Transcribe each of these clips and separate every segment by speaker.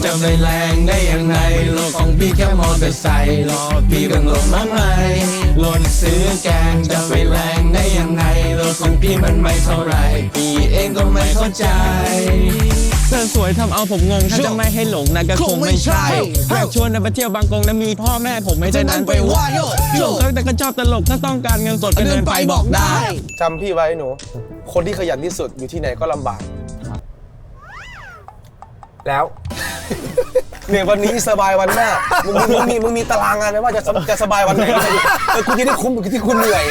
Speaker 1: จะไปแรงได้ยังไงโลกของพี่แค่มอเตอร์ไซค์รอพี่ต้องหลบมากมายรถซื้อแกงจะไปแรงได้ยังไงโลกของพี่มันไม่เท่าไรพี่เองก็ไม่เข้าใจ
Speaker 2: เธอสวยทำเอาผมงงถ้าจะไม่ให้หลงนะก็คงไม่ใช่อยากชวนไปเที่ยวบางกงนะมีพ่อแม่ผมไม่ใช่นั้นไปว่าโยกแต่ก็ชอบตลกถ้าต้องการเงินสดก็เดินไปบอกได้
Speaker 3: จำพี่ไว้หนูคนที่ขยันที่สุดอยู่ที่ไหนก็ลำบาก
Speaker 4: แล้ว
Speaker 3: เนี่ยวันนี้สบายวันหน้ามึงมีตารางงานไหมว่าจะสบายวันไหนกูจะได้คุ้มกับที่คุณเหนื่อย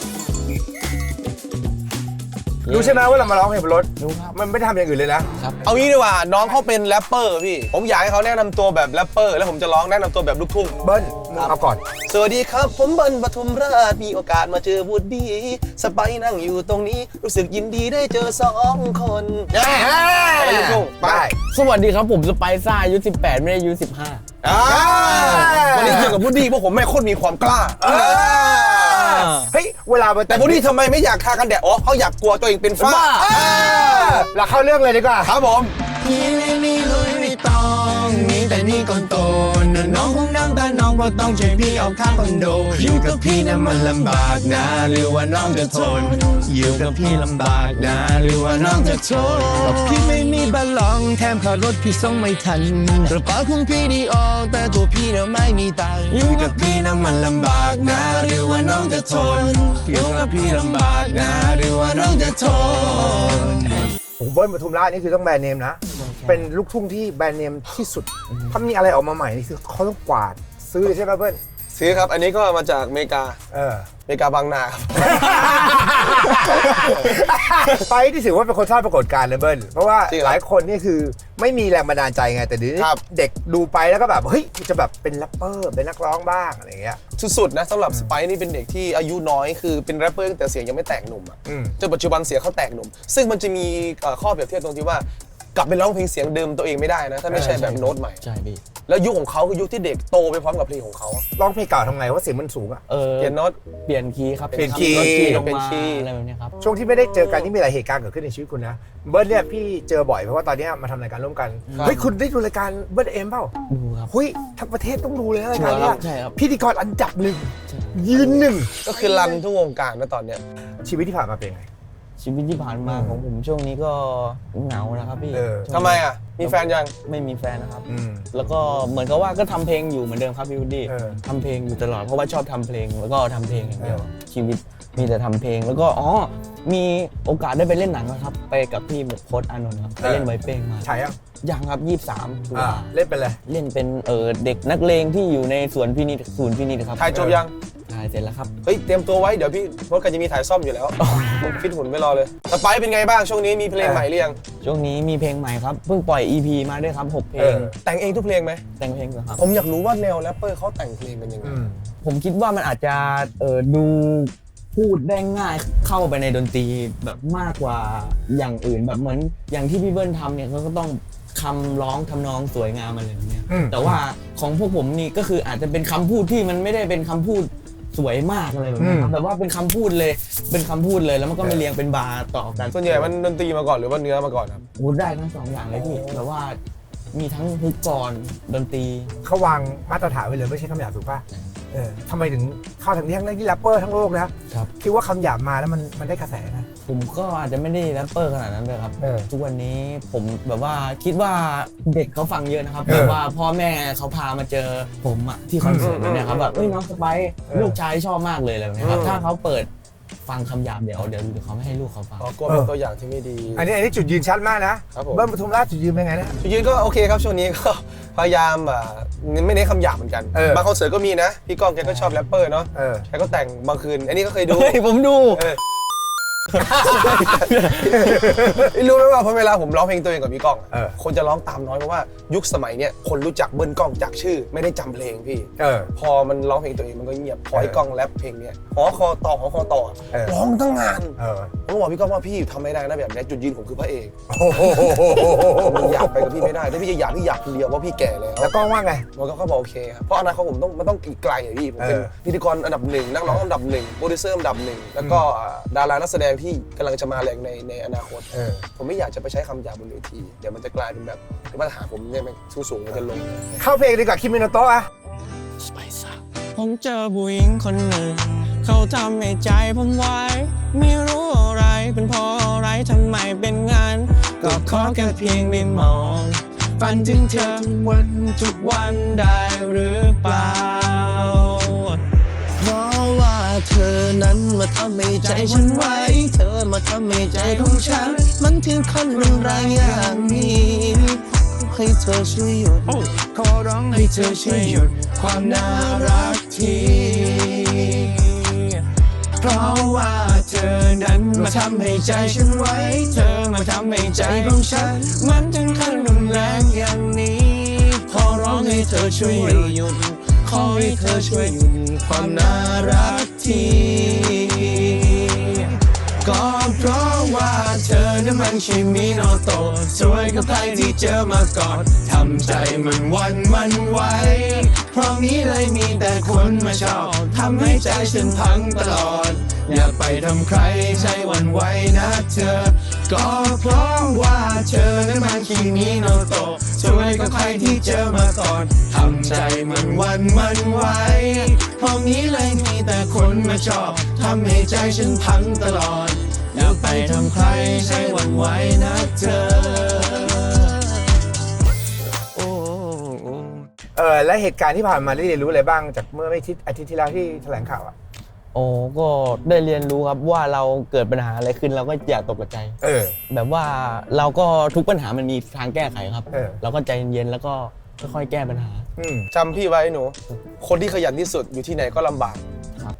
Speaker 4: รู้ใช่ไหมว่าเรามาร้องเพลงบนรถรู้ครับมันไม่ได้ทำอย่างอื่นเลยนะ
Speaker 3: เอางี้ดีกว่าน้องเขาเป็นแรปเปอร์พี่ผมอยากให้เขาแนะนำตัวแบบแรปเปอร์แล้วผมจะร้องแนะนำตัวแบบลูกทุ่ง
Speaker 4: เบิ้ลเอาก่อน
Speaker 3: สวัสดีครับผมเบิ้ลปทุมราชมีโอกาสมาเจอวูดดี้สไปซ์นั่งอยู่ตรงนี้รู้สึกยินดีได้เจอ2 คนลูกทุ่งไป
Speaker 2: สวัสดีครับผมสไปซ่าอายุ18ไม่ได้อายุ15
Speaker 3: วันนี้เจอกับวูดดี้เพราะผมไม่โคตรมีความกล้า
Speaker 4: เฮ้ยเวลา
Speaker 3: แต่วูดดี้ทำไมไม่อยากทากันแดดอ๋อเขาอยากกลัวตัวเองเป็นฝ้า
Speaker 4: เราเข้าเรื่องเลยดีกว่า
Speaker 3: ครับผม
Speaker 1: พี่ไม่มีลุยไม่ต้องมีแต่นี่ก่อนโตน้องคงน้ำตาน้องเพราะต้องช่วยพี่เอาข้างคอนโดอยู่กับพี่นั้นมันลำบากนะหรือว่าน้องจะทนอยู่กับพี่ลำบากนะหรือว่าน้องจะทนพี่ไม่มีบัลลองแถมค่ารถพี่ส่งไม่ทันกระเป๋าของพี่ดีออกแต่ตัวพี่น่ะไม่มีตังค์อยู่กับพี่นั้นมันลำบากนะหรือว่าน้องจะทนอยู่กับพี่ลำบากนะหรือว่าน้องจะทน
Speaker 4: ผมเบิ้ลปทุมราชนี่คือต้องแบรนด์เนมนะเป็นลูกทุ่งที่แบรนด์เนมที่สุดถ้ามีอะไรออกมาใหม่นี่คือเขาต้องกวาดซื้อเลยใช่ไหมเบิ้ล
Speaker 3: ซื้อครับอันนี้ก็มาจากอเมริกาอเมริกาบางนาครับ
Speaker 4: ไปที่ถือว่าเป็นคนสร้างปรากฏการณ์เลยเบิ้ลเพราะว่าหลายคนนี่คือไม่มีแรงบันดาลใจไงแต่เดี๋ยวนี้เด็กดูไปแล้วก็แบบเฮ้ยจะแบบเป็นแรปเปอร์เป็นนักร้องบ้างอะไรเงี้ย
Speaker 3: สุดๆนะสำหรับสไปซ์นี่เป็นเด็กที่อายุน้อยคือเป็นแรปเปอร์แต่เสียงยังไม่แตกหนุ่มอ่ะจนปัจจุบันเสียงเขาแตกหนุ่มซึ่งมันจะมีข้อเปรียบเทียบตรงที่ว่ากลับไปร้องเพลงเสียงเดิมตัวเองไม่ได้นะถ้าไม่ใช่แบบโน้ตใหม่
Speaker 2: ใช่พี่
Speaker 3: แล้วยุคของเขาคือยุคที่เด็กโตไปพร้อมกับเพลงของเขา
Speaker 4: ร้องเพลงเก่าทำไงว่าเสียงมันสูงอ่ะ
Speaker 3: เปลี่ยนโน้ต
Speaker 2: เปลี่ยนคีย์ครับ
Speaker 4: เปลี่ยนคีย์
Speaker 2: เป็นคีย์อะไรแบบนี้ครับ
Speaker 4: ช่วงที่ไม่ได้เจอกันนี่มีหลายเหตุการณ์เกิดขึ้นในชีวิตคุณนะเบิร์ดเนี่ยพี่เจอบ่อยเพราะว่าตอนนี้มาทำรายการร่วมกันเฮ้ยคุณได้ดูรายการเบิร์ดเอ็มเปล่า
Speaker 2: ดูครับ
Speaker 4: เฮ้ยทั้งประเทศต้องดูเลยรายการนี้
Speaker 2: ใช่ครับ
Speaker 4: พิธีกรอันดับ1ยืน1
Speaker 3: ก็คือรันทุกวงการนะตอนเนี้ย
Speaker 4: ชีวิตที่ผ่านมาเป็นไง
Speaker 2: ชีวิตที่ผ่านมาของผมช่วงนี้ก็เหงานะครับพี่
Speaker 3: ทำไมอ่ะมีแฟนยัง
Speaker 2: ไม่มีแฟนนะครับแล้วก็เหมือนกับว่าก็ทำเพลงอยู่เหมือนเดิมครับพี่วูดดี้ทำเพลงอยู่ตลอดเพราะว่าชอบทำเพลงแล้วก็ทำเพลงอย่างเดียวชีวิตมีแต่ทำเพลงแล้วก็มีโอกาสได้ไปเล่นหนังนะครับไปกับพี่โค้ชอานนท์ครับไปเล่นไวเป้งมา
Speaker 4: ใช่
Speaker 2: ยังครับ23
Speaker 4: เล่นเป็นอะไร
Speaker 2: เล่นเป็นเด็กนักเลงที่อยู่ในสวนพินิจครับ
Speaker 3: ถ่ายจบยัง
Speaker 2: ถ่ายเสร็จแล้วครับ
Speaker 3: เฮ้ยเตรียมตัวไว้เดี๋ยวพี่รถกันจะมีถ่ายซ่อมอยู่แล้วผมฟิตหุ่นไม่รอเลยสไปซ์เป็นไงบ้างช่วงนี้มีเพลงใหม่หรือยัง
Speaker 2: ช่วงนี้มีเพลงใหม่ครับเพิ่งปล่อย EP มาด้วยครับ6เพลง
Speaker 3: แต่งเองทุกเพลงไหม
Speaker 2: แต่งเพลงครับ
Speaker 3: ผมอยากรู้ว่าแนวแรปเปอร์เขาแต่งเพลงกันยังไง
Speaker 2: ผมคิดว่ามันอาจจะดูพูดได้ง่ายเข้าไปในดนตรีแบบมากกว่าอย่างอื่นแบบเหมือนอย่างที่พี่เบิ้ลทำเนี่ยเขาก็ต้องคำร้องทำนองสวยงามอะไรแบบนี้แต่ว่าของพวกผมนี่ก็คืออาจจะเป็นคำพูดที่มันไม่ได้เป็นคำพูดสวยมากอะไรแบบนี้แบบว่าเป็นคำพูดเลยแล้วมันก็ไม่เรียงเป็นบาร์ต่อกัน
Speaker 3: ส่วนใหญ่มันดนตรีมาก่อนหรือว่าเนื้อมาก่อนครับ
Speaker 2: พูดได้ทั้ง2อย่างเลยพี่แบบว่ามีทั้งฮุกก่อนดนตรี
Speaker 4: เขาวางมาตรฐานไว้เลยไม่ใช่คำหยาบถูกป่ะทำไมถึงเข้าถึงที่ทั้งที่แรปเปอร์ทั้งโลกนะครับคิดว่าคำหยาบมาแล้วมันได้กระแสนะ
Speaker 2: ผมก็อาจจะไม่ได้แรปเปอร์ขนาดนั้นเลยครับทุกวันนี้ผมแบบว่าคิดว่าเด็กเขาฟังเยอะนะครับแบบว่าพ่อแม่เขาพามาเจอผมอะที่คอนเสิร์ตเนี่ยครับแบบน้องสไปซ์ลูกชายชอบมากเลยอะไรแบบนี้ครับถ้าเขาเปิดฟังคำหยาบเดี๋ยวเขาไม่ให้ลูกเขาฟัง
Speaker 3: ก็เป็นตัวอย่างที่ไม่ดี
Speaker 4: อันนี้จุดยืนชัดมากนะเบิ้ลปทุมราชจุดยืนเป็นไงนะ
Speaker 3: จุดยืนก็โอเคครับช่วงนี้ก็พยายามไม่ได้คำหยาบเหมือนกันบางคอนเสิร์ตก็มีนะพี่ก้องแกก็ชอบแรปเปอร์เนาะแกก็แต่งบางคืนอันนี้ก็เคยดู
Speaker 2: ผมดู
Speaker 3: รู้ไหมว่าพอเวลาผมร้องเพลงตัวเองกับพี่ก้องคนจะร้องตามน้อยเพราะว่ายุคสมัยเนี้ยคนรู้จักเบิ้ลก้องจากชื่อไม่ได้จำเพลงพี่พอมันร้องเพลงตัวเองมันก็เงียบพอไอ้ก้องแรปเพลงเนี้ยหอคอต่อร้องตั้งนานผมบอกพี่ก้องว่าพี่ทำไม่ได้นะแบบนี้จุดยืนผมคือพระเอกผมอยากไปกับพี่ไม่ได้ได้ถ้าพี่จะอยากพี่อยากคนเดียวเพราะพี่แก่แล้ว
Speaker 4: แล้วกล้องว่าไง
Speaker 3: มันก็บอกโอเคครับเพราะอนาคตผมมันต้องอีกไกลอะพี่ผมเป็นพิธีกรอันดับหนึ่งนักร้องอันดับหนึ่งโปรดิวเซอร์อันดับหนึ่งแล้วก็ดารานักแสดงที่กำลังจะมาแรงในอนาคตผมไม่อยากจะไปใช้คำหยาบบนเวทีเดี๋ยวมันจะกลายเป็นแบบมาตรฐานผมเนี่ยมันสูงมันจะลง
Speaker 4: เข้าเพลงดีกว่าคิมิโนโตะอะ
Speaker 1: ผมเจอผู้หญิงคนหนึ่งเขาทำให้ใจผมไว้ไม่รู้อะไรเป็นเพราะอะไรทำไมเป็นงั้นก็ขอแค่เพียงได้มองฝันถึงเธอทุกวันได้หรือเปล่าเพราะว่าเธอนั้นมาทำให้ใจฉันไว้เธอมาทำให้ใจของฉันมันถึงขั้นรุนแรงอย่างนี้ให้เธอช่วยหยุดขอร้องให้เธอช่วยหยุดความน่ารักทีเพราะว่าเธอนั้นมาทำให้ใจฉันไว้เธอมาทำให้ใจของฉันมันถึงขั้นรุนแรงอย่างนี้ขอร้องให้เธอช่วยหยุดขอให้เธอช่วยหยุดความน่ารักทีก็เพราะว่าเธอนั้นมันใช่มิโนโตะสวยกับใครที่เจอมาก่อนทำใจมันวันมันไหวเพราะนี้เลยมีแต่คนมาชอบทำให้ใจฉันพังตลอดอย่าไปทำใครใจหวั่นไหวนะเธอก็เพราะว่าเธอนั้นมันคิมิโนโตะสวยกับใครที่เจอมาก่อนทำใจมันวันมันไหวเพราะนี้เลยมีแต่คนมาชอบทำให้ใจฉันพังตลอดอย่าไปทำใครใจหวั่นไหวนะเธอ
Speaker 4: และเหตุการณ์ที่ผ่านมาได้เรียนรู้อะไรบ้างจากเมื่อไม่อาทิตย์ที่แล้วที่แถลงข่าวอะ
Speaker 2: โอ้ก็ได้เรียนรู้ครับว่าเราเกิดปัญหาอะไรขึ้นเราก็อย่าตกใจแบบว่าเราก็ทุกปัญหามันมีทางแก้ไขครับเราก็ใจเย็นๆแล้วก็ค่อยๆแก้ปัญหา
Speaker 3: จำพี่ไว้หนูคนที่ขยันที่สุดอยู่ที่ไหนก็ลำบาก
Speaker 2: ครับ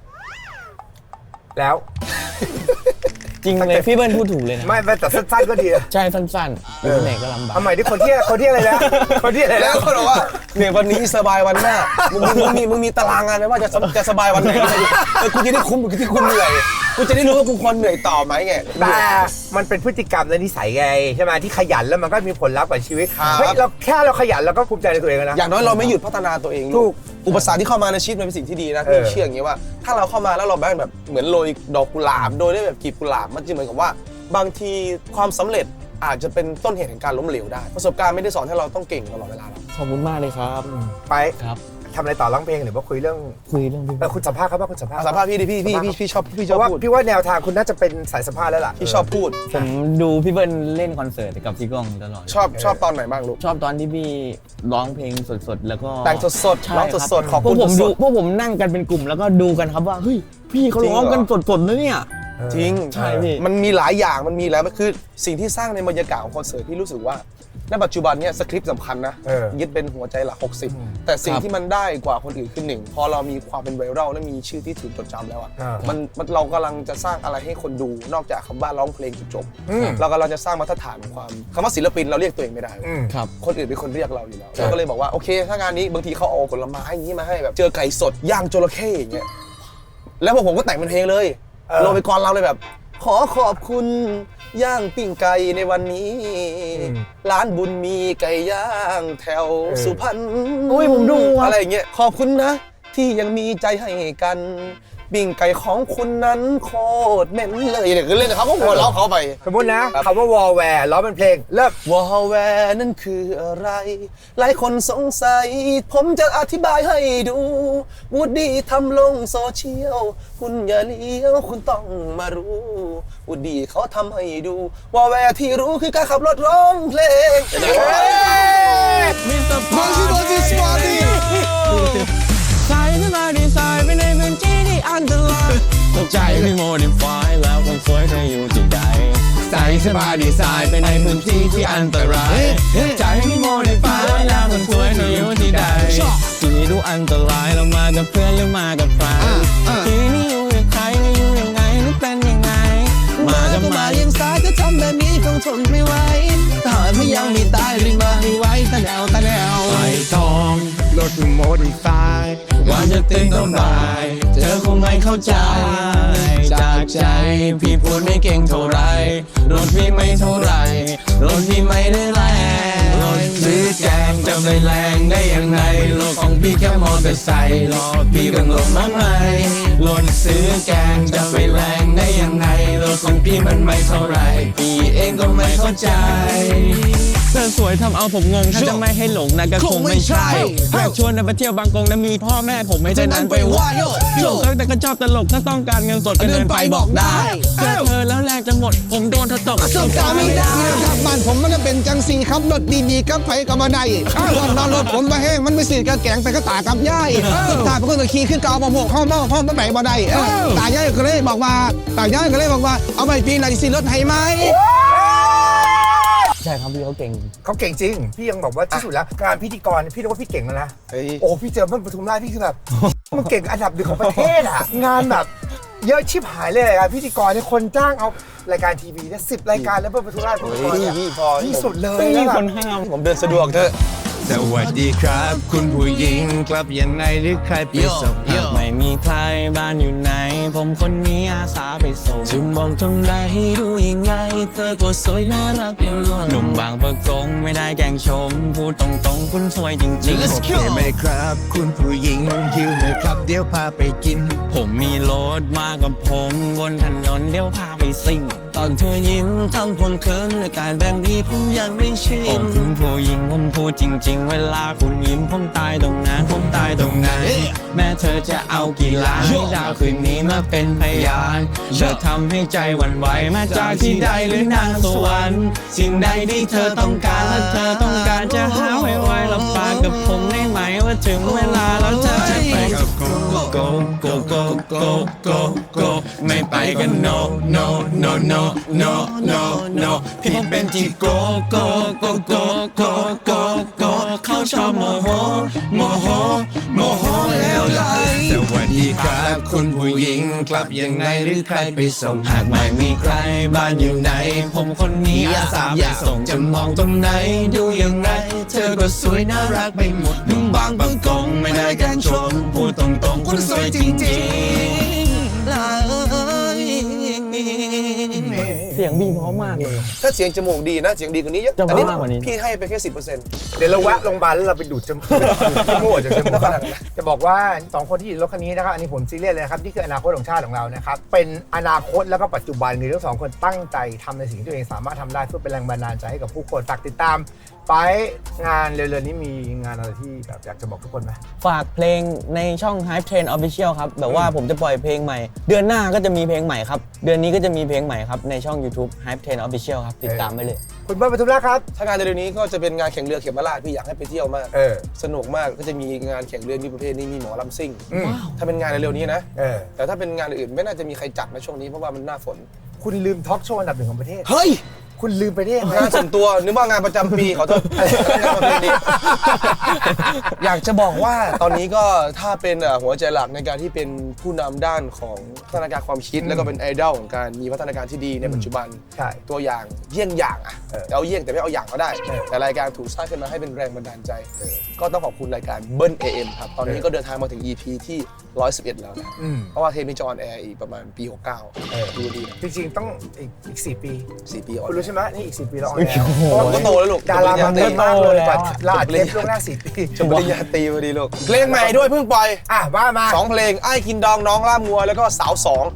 Speaker 4: แล้ว
Speaker 2: จริงเลยพี่เบิ้ลพูดถูกเลยนะ
Speaker 4: ไม่แต่สั้นๆก็ดี
Speaker 2: ใช่สั้นๆอยู่ที่ไหนก็ลำบาก
Speaker 4: ทำไมที่คนที่อะไรแล้วคนที่อะไร
Speaker 3: แล้วคนบอกว่าเนี่ยวันนี้สบายวันหน้ามึงมีตารางงานไหมว่าจะสบายวันไหนกูจะได้คุ้มกับที่คุณเหนื่อยกูจะได้รู้ว่ากูควรเหนื่อยต่อไหมไง
Speaker 4: แต่มันเป็นพฤติกรรมและนิสัยไงใช่ไหมที่ขยันแล้วมันก็มีผลลัพธ์กับชีวิตเฮ้ยเราแค่เราขยันเราก็ภูมิใจในตัวเองนะ
Speaker 3: อย่างน้อยเราไม่หยุดพัฒนาตัวเอง
Speaker 4: ถูก
Speaker 3: อุปสรรคที่เข้ามาในชีวิตมันเป็นสิ่งที่ดีนะพี่เชื่ออย่างนี้ว่าถ้าเราเข้ามาแล้วเราแบบเหมือนโรยดอกกุหลาบโดยได้แบบกลีบกุหลาบมันจะเหมือนกับว่าบางทีความสำเร็จอาจจะเป็นต้นเหตุแห่งการล้มเหลวได้ประสบการณ์ไม่ได้สอนให้เราต้องเก่งตลอดเวลาหรอก
Speaker 2: ขอบคุณมากเลยครับ
Speaker 4: ไป
Speaker 2: ครับ
Speaker 4: ทำอะไรต่อร้องเพลงหรือว่าคุยเรื่อง
Speaker 2: พี่
Speaker 4: คุณสัมภาษณ์ครับว่าคุณสัมภาษณ์
Speaker 3: พี่ดิพี่ชอบพูด
Speaker 4: พี่ว่าแนวทางคุณน่าจะเป็นสายสัมภาษณ์แล้วล่ะ
Speaker 3: พี่ชอบพูด
Speaker 2: ผมดูพี่เบิ้ลเล่นคอนเสิร์ตกับพี่ก้องตลอด
Speaker 3: ชอบตอนไหนบ้างลูก
Speaker 2: ชอบตอนที่พี่ร้องเพลงสดๆแล้วก็
Speaker 3: แต่งสดร้องสด
Speaker 2: ขอบคุณพวกผมนั่งกันเป็นกลุ่มแล้วก็ดูกันครับว่าเฮ้ยพี่เขาร้องกันสดๆนะเนี่ย
Speaker 3: จริง
Speaker 2: ใช่พี่
Speaker 3: มันมีหลายอย่างมันมีแล้วมันคือสิ่งที่สร้างในบรรยากาศของคอนเสิร์ตที่รู้สึกว่าในปัจจุบันเนี่ยสคริปต์สำคัญนะยึดเป็นหัวใจหลัก60แต่สิ่งที่มันได้กว่าคนอื่นคือ1พอเรามีความเป็นไวรัลและมีชื่อที่ถูกจดจำแล้วอ่ะมันเรากำลังจะสร้างอะไรให้คนดูนอกจากคำว่าร้องเพลงจบเรากำลังจะสร้างมาตรฐานของความคำว่าศิลปินเราเรียกตัวเองไม่ได้คนอื่นเป็นคนเรียกเราอยู่แล้วเราก็เลยบอกว่าโอเคถ้างานนี้บางทีเขาเอาผลไม้อย่างนี้มาให้แบบเจอไก่สดย่างจระเข้อย่างเงี้ยแล้วผมก็แต่งเป็นเพลงเลยลงไปก่อนเราเลยแบบขอบคุณย่างปิ้งไก่ในวันนี้ร้านบุญมีไก่ย่างแถวสุพรรณ
Speaker 2: ผมดู
Speaker 3: อะไรอย่างเงี้ยขอบคุณนะที่ยังมีใจให้กันปิ้งไก่ของคุณนั้นโคตรเหม็นเลยเนี่ยคือเล่นเขาก็หัวเราะเขาไป
Speaker 4: สมมตินะคำว่าวอลแวร์ร้องเป็นเพลงเลิก
Speaker 3: วอลแวร์นั่นคืออะไรหลายคนสงสัยผมจะอธิบายให้ดูวูดดี้ทำลงโซเชียลคุณอย่าเลี้ยวคุณต้องมารู้วูดดี้เขาทำให้ดูวอลแวร์ที่รู้คือการขับรถร้องเพลง
Speaker 1: มิสเตอร์ปาร์ตี้สายขึ้นมาดีไซน์ไปในพื้นที่ที่อันตรายตกใจที่โมดิฟายแล้วคนสวยเธออยู่ที่ใดใส่สบายดีไซน์ไปในพื้นที่ที่อันตรายใจที่โมดิฟายแล้วคนสวยเธออยู่ที่ใดที่นี่ดูอันตรายเรามากับเพื่อนหรือมากับใครที่นี่อยู่กับใครไม่อยู่ยังไงหรือเป็นยังไงมาก็มายังสายก็ทำแบบนี้คงทนไม่ไหวถ้าไม่ยังมีตายรีบมาให้ไว้ตาแนวไฟทองรถโมดิฟายว่าจะตื่นก็บ่ายเธอคงไม่เข้าใจจากใจพี่พูดไม่เก่งเท่าไรรถพี่ไม่เท่าไรรถพี่ไม่ได้แรงรถไปแรงได้ยังไงรถของพี่แค่มอเตอร์ไซค์รอพี่เป็นรถมาใหม่รถซื้อแกงจะไปแรงได้ยังไงรถของพี่มันไม่เท่าไรพี่เองก็ไม่เข้าใจเธอสวยทำเอาผมงงถ้าจะไม่ให้หลงนะก็คงไม่ใช่อยากชวนไปเที่ยวบางกงนะมีพ่อแม่ผมไม่ใช่นั้นไปว่าโยกแต่ก็ชอบตลกถ้าต้องการเงินสดก็เดินไปบอกได้เจอเธอแล้วแรงจะหมดผมโดนเธอตกสบการไม่ได้ครับบ้านผมมันจะเป็นจังสีครับรถดีๆกับไฟกับมาได้ก่อนนอนรถผมมาแห้งมันไม่สีกระแกงไปก็ตากับย่ายตาเป็นคนขี่ขึ้นเกามาหกห้องมาไหนมาได้ตาย่ายก็เลยบอกว่าเอาไปปีไหนสิรถให้ไหม
Speaker 2: ใช่ครับพี่เขาเก่ง
Speaker 4: เขาเก่งจริงพี่ยังบอกว่าที่สุดแล้วงานพิธีกรพี่รู้ว่าพี่เก่งแล้วนะโอ้พี่เจอเมื่อปทุมราชพี่คือแบบมันเก่งอันดับหนึ่งของประเทศอ่ะงานแบบเยอะชิบหายเลยอะพิธีกรเนี่ยคนจ้างเอารายการทีวีเนี่ย10 รายการแล้วเมื่อปทุมราชพิธีกรเนี่ยที่สุดเลย
Speaker 2: ไม่มี
Speaker 4: แล้ว
Speaker 2: คนห้าม
Speaker 3: ผมเดินสะดวกเถอะ
Speaker 1: สวัสดีครับคุณผู้หญิงกลับยังไงหรือใครไปส่งไม่มีใครบ้านอยู่ไหนผมคนนี้อาสาไปส่งจึงมองตรงไหนดูยังไงเธอก็สวยน่ารักเป็นล้วนหนุ่มบางประกงไม่ได้แกล้งชมพูดตรงๆคุณสวยจริงๆโอเคไหมครับคุณผู้หญิงหิวเลยครับเดี๋ยวพาไปกินผมมีรถมากับผมบนถนนเดี๋ยวพาไปซิ่งตอนเธอยิ้มทั้งคนเคินและการแบบนี้ผมยังไม่ชินคุณผู้หญิงผมพูดจริงๆเวลาคุณยิ้มผมตายตรงนั้นแม้เธอจะเอากี่ล้านให้ดาวคืนนี้มาเป็นพยานเธอทำให้ใจหวั่นไหวมาจากที่ใดหรือนางสวรรค์สิ่งใดที่เธอต้องการและเธอต้องการจะหาไว้รับปากกับผมได้ไหมว่าถึงเวลาแล้วเธอจะไปกับgo ไม่ไปกัน noพี่ผมเป็นที่ go เขาชอบโมโหแล้วไหลสวัสดีครับคุณผู้หญิงกลับยังไงหรือใครไปส่งหากไม่มีใครบ้านอยู่ไหนผมคนนี้อาสาไปส่งจะมองตรงไหนดูยังไงเธอก็สวยน่ารักไปหมดนุ่มบางบางกงไม่ได้แกล้งชมพูดตรงๆคุณสวยจริงๆ
Speaker 2: เสียงบีเพราะมากเลย
Speaker 3: ถ้าเสียงจมูกดีนะเสียงดีกว่านี้เยอะ
Speaker 2: จะ
Speaker 3: อันนี้
Speaker 2: มากกว่านี้
Speaker 3: พี่ให้ไปแค่ 10%
Speaker 4: เดี๋ยวเราแวะโรงพยาบาลแล้วเราไปดูดจมูกจากจมูกจะบอกว่า2คนที่อยู่รถคันนี้นะครับอันนี้ผมซีเรียสเลยนะครับนี่คืออนาคตของชาติของเรานะครับเป็นอนาคตแล้วก็ปัจจุบันคือทั้ง2คนตั้งใจทำในสิ่งที่ตัวเองสามารถทำได้เพื่อเป็นแรงบันดาลใจให้กับผู้คนฝากติดตามไปงานเร็วๆนี้มีงานอะไรที่แบบอยากจะบอกทุกคนไหม
Speaker 2: ฝากเพลงในช่อง Hype Train Official ครับแบบว่าผมจะปล่อยเพลงใหม่เดือนหน้าก็จะมีเพลงใหม่ครับเดือนนี้ก็จะมีเพลงใหม่ครับในช่อง YouTube Hype Train Official ครับติดตามไปเลย
Speaker 4: คุณเบิร์ดปทุมราชครับ
Speaker 3: ถ้างานเร็วๆนี้ก็จะเป็นงานแข่งเรือเข็มราชพี่อยากให้ไปเที่ยวมากสนุกมากก็จะมีงานแข่งเรือมีประเภทนี้มีหมอลำซิ่งถ้าเป็นงานเร็วๆนี้นะแต่ถ้าเป็นงานอื่นไม่น่าจะมีใครจัดในช่วงนี้เพราะว่ามันหน้าฝน
Speaker 4: คุณลืมทอล์กโชว์อันดับ 1ของประเทศ
Speaker 3: เฮ้ย
Speaker 4: คุณลืมไปได้ยังไง
Speaker 3: งานส่วนตัวนึกว่างานประจำปีขอโทษงานประเพณีอยากจะบอกว่าตอนนี้ก็ถ้าเป็นหัวใจหลักในการที่เป็นผู้นำด้านของพัฒนาการความคิดแล้วก็เป็นไอดอลของการมีพัฒนาการที่ดีในปัจจุบัน
Speaker 4: ใช่
Speaker 3: ตัวอย่างเยี่ยงอย่างอ่ะเอาเยี่ยงแต่ไม่เอาอย่างก็ได้แต่รายการถูกสร้างขึ้นมาให้เป็นแรงบันดาลใจก็ต้องขอบคุณรายการเบิ้ล AM ครับตอนนี้ก็เดินทางมาถึง EP ที่111แล้วนะเพราะว่าเทปนี้จะออนแอร์อีกประมาณปี69ดูดีนะ
Speaker 4: จริงๆต้องอีก4 ปี
Speaker 3: 4 ปีออน
Speaker 4: คุณรู้ใช่ไหมนี่อีก4 ปีเราออนแอ
Speaker 3: ผมก็โตแล้วลูก
Speaker 4: ดาราบางคนมากเลยกว่าลาดเทปล่วงหน้า4 ปี
Speaker 3: จบปริญญาตรีพอดีลูกเพลงใหม่ด้วยเพิ่งปล่อย
Speaker 4: ว่ามา
Speaker 3: 2 เพลงไอ้กินดองน้องล่ามงัวแล้วก็สาว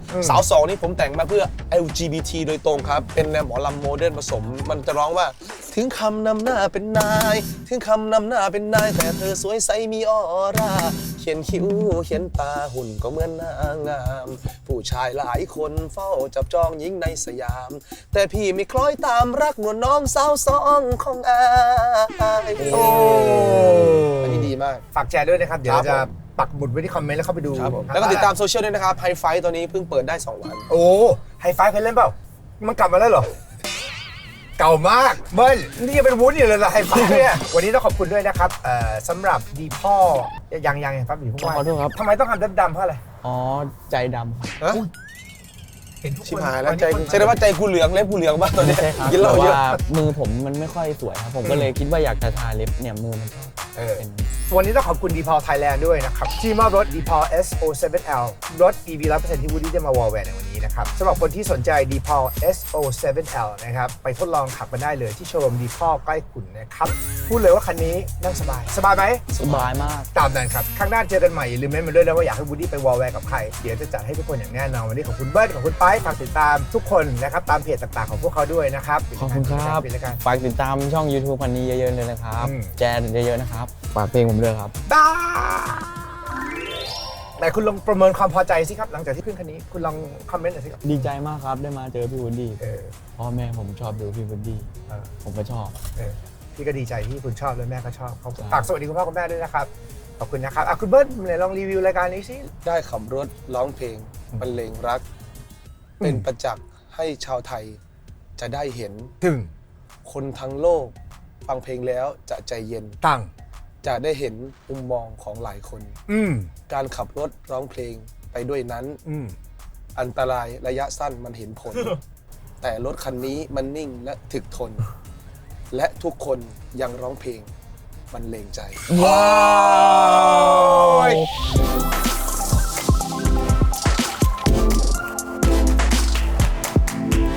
Speaker 3: 2นี่ผมแต่งมาเพื่อ LGBT โดยตรงครับเป็นแนวหมอลำโมเดิร์นผสมมันจะร้องว่าถึงคำนำหน้าเป็นนายถึงคำนำหน้าเป็นนายแต่เธอสวยใสมีออร่าเขียนคิ้วเขียนตาหุ่นก็เหมือนนางงามผู้ชายหลายคนเฝ้าจับจองหญิงในสยามแต่พี่ไม่คล้อยตามรักนวลน้องสาว2ของอายอันนี้ดีมาก
Speaker 4: ฝากแชร์ด้วยนะครับเดี๋ยวจะปักหมุดไว้ที่คอมเมนต์แล้วเข้าไปดู
Speaker 3: แล้วก็ติดตามโซเชียลด้วยนะครับไฮไฟตอนนี้เพิ่งเปิดได้2 วัน
Speaker 4: โอ้ไฮไฟเคยเล่นเปล่ามันกลับมาแล้วเหรอเก่ามากเบิ้ลนี่ยังเป็นวุ้นอยู่เลยล่ะไฮไฟเนี่ยวันนี้ต้องขอบคุณด้วยนะครับสำหรับดีพ่อยังครับอยู่พวกว่า
Speaker 2: ขอโทษครับ
Speaker 4: ทำไมต้องทำดำเพราะอะไร
Speaker 2: อ๋อใจดำครับ
Speaker 4: เห็นทุกคน
Speaker 3: ชิบหายแล้วใจใช่ไหมว่าใจกูเหลืองเล็บกูเหลืองบ้างตอนนี้
Speaker 2: ใช่ครับ
Speaker 3: กินเหล้า
Speaker 2: แต่
Speaker 3: เยอะ
Speaker 2: ว่ามือผมมันไม่ค่อยสวยครับผมก็เลยคิดว่าอยากจะทาเล็บเนี่ยมือมันเป็น
Speaker 4: วันนี้ต้องขอบคุณดีพอลไทยแลนด์ด้วยนะครับที่มอบรถดีพอล SO7L รถ EV 100% ที่วูดดี้จะมาวอลแวร์ในวันนี้นะครับสำหรับคนที่สนใจ DePaul SO7L นะครับไปทดลองขับกันได้เลยที่โชว์รูม DePaul ใกล้คุณนะครับพูดเลยว่าคันนี้นั่งสบายไหม
Speaker 2: สบายมาก
Speaker 4: ตามนั้นครับข้างหน้าเจอกันใหม่อย่าลืมเม้นมาด้วยนะว่าอยากให้วูดดี้ไปวอลแวร์กับใครเดี๋ยวจะจัดให้ทุกคนอย่างแน่นอนวันนี้ขอบคุณเบิร์ดขอบคุณไปฝากติดตามทุกคนนะครับตามเพจต่างๆของพวกเขาด้วยนะครับ
Speaker 2: ขอบคุณครับ
Speaker 4: ปิดรายการ
Speaker 2: ฝากติดตามช่อง YouTube พันนี้เยอะๆเลยนะครับ
Speaker 4: อืม
Speaker 2: แชร์เยอะๆนะครับฝากเพลงผมด้วยครับ
Speaker 4: บ้าไหนคุณลองประเมินความพอใจสิครับหลังจากที่ขึ้นคันนี้คุณลองคอมเมนต์หน่อยสิครับ
Speaker 2: ดีใจมากครับได้มาเจอพี่วูดดี้
Speaker 4: เออ
Speaker 2: พ่อแม่ผมชอบดูพี่วูดดี้
Speaker 4: เออ
Speaker 2: ผมก็ชอบ
Speaker 4: พี่ก็ดีใจที่คุณชอบและแม่ก็ชอบเขา
Speaker 2: ครับ
Speaker 4: ฝากสวัสดีคุณพ่อคุณแม่ด้วยนะครับขอบคุณนะครับคุณเบิร์ดไหนลองรีวิวรายการนี้สิ
Speaker 3: ได้ขับรถร้องเพลงบรรเลงรัก เป็นประจักษ์ให้ชาวไทยจะได้เห็น
Speaker 4: ถึง
Speaker 3: คนทั้งโลก ฟังเพลงแล้วจะใจเย็น
Speaker 4: ตั้ง
Speaker 3: จะได้เห็นมุมมองของหลายคน การขับรถร้องเพลงไปด้วยนั้น อันตรายระยะสั้นมันเห็นผล แต่รถคันนี้มันนิ่งและถึกทน และทุกคนยังร้องเพลงบรรเลงใจ
Speaker 2: ว้าว